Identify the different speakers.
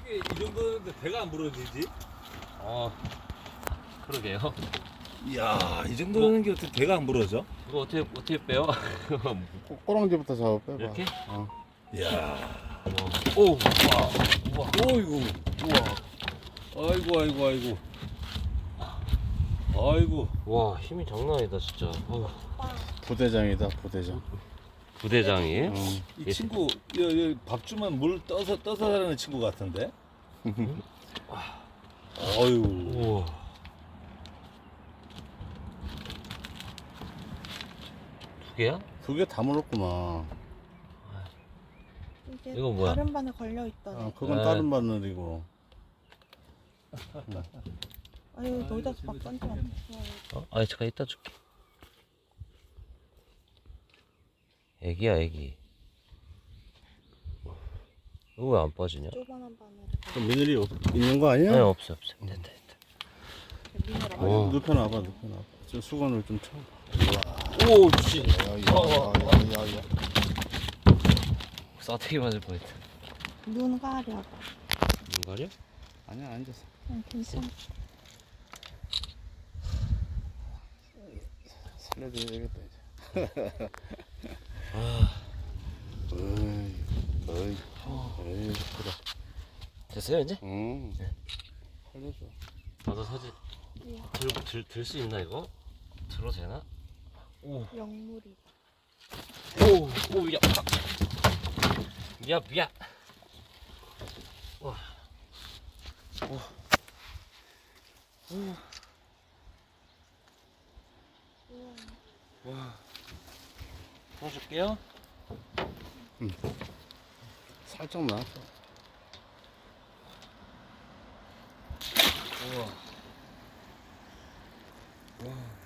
Speaker 1: 어떻게 이 정도인데 배가 안 부러지지?
Speaker 2: 그러게요.
Speaker 1: 이야, 이 정도는 게 어떻게 배가 안 부러져?
Speaker 2: 이거 어떻게 빼요?
Speaker 3: 꼬랑지부터 잡아 빼봐.
Speaker 2: 이렇게?
Speaker 1: 이야,
Speaker 2: 오, 우와.
Speaker 1: 어이구, 우와, 아이고, 아이고, 아이고, 아이고.
Speaker 2: 와, 힘이 장난 아니다, 진짜.
Speaker 3: 부대장이다, 부대장.
Speaker 2: 부대장이에요?
Speaker 1: 이 친구, 여기 밥 주면 물 떠서 자라는 친구 같은데? 어유.
Speaker 2: 우와. 두 개야?
Speaker 3: 두 개 다 물었구만.
Speaker 4: 이게
Speaker 2: 이건 뭐야?
Speaker 4: 다른 반에 걸려 있더네.
Speaker 3: 그건
Speaker 2: 네.
Speaker 3: 다른 바늘이고.
Speaker 4: 아유 너희다 밥 던져.
Speaker 2: 아니, 잠깐 이따 줄게. 애기야, 애기. 이거 왜 안 빠지냐?
Speaker 4: 조그만한 바늘에
Speaker 3: 그 미늘이 있는 거 아니야?
Speaker 2: 아니, 없어. 됐다.
Speaker 4: 미네랄.
Speaker 2: 오.
Speaker 3: 눕혀놔봐, 눕혀놔봐. 저 수건을 좀 쳐.
Speaker 2: 오, 씨.
Speaker 3: 야야야야야.
Speaker 2: 싸대기 맞을 뻔했다.
Speaker 4: 눈 가려.
Speaker 2: 눈 가려?
Speaker 3: 아니야, 앉아서.
Speaker 4: 응, 괜찮아.
Speaker 3: 살려줘야 되겠다 이제. 어이, 그래.
Speaker 2: 됐어요, 이제?
Speaker 3: 응. 살려줘.
Speaker 2: 나도 사진 들 수 있나, 이거? 들어도 되나? 오,
Speaker 4: 영물이.
Speaker 2: 오, 야. 야. 와. 와. 풀어줄게요.
Speaker 3: 살짝 나왔어.
Speaker 2: 우와. 와.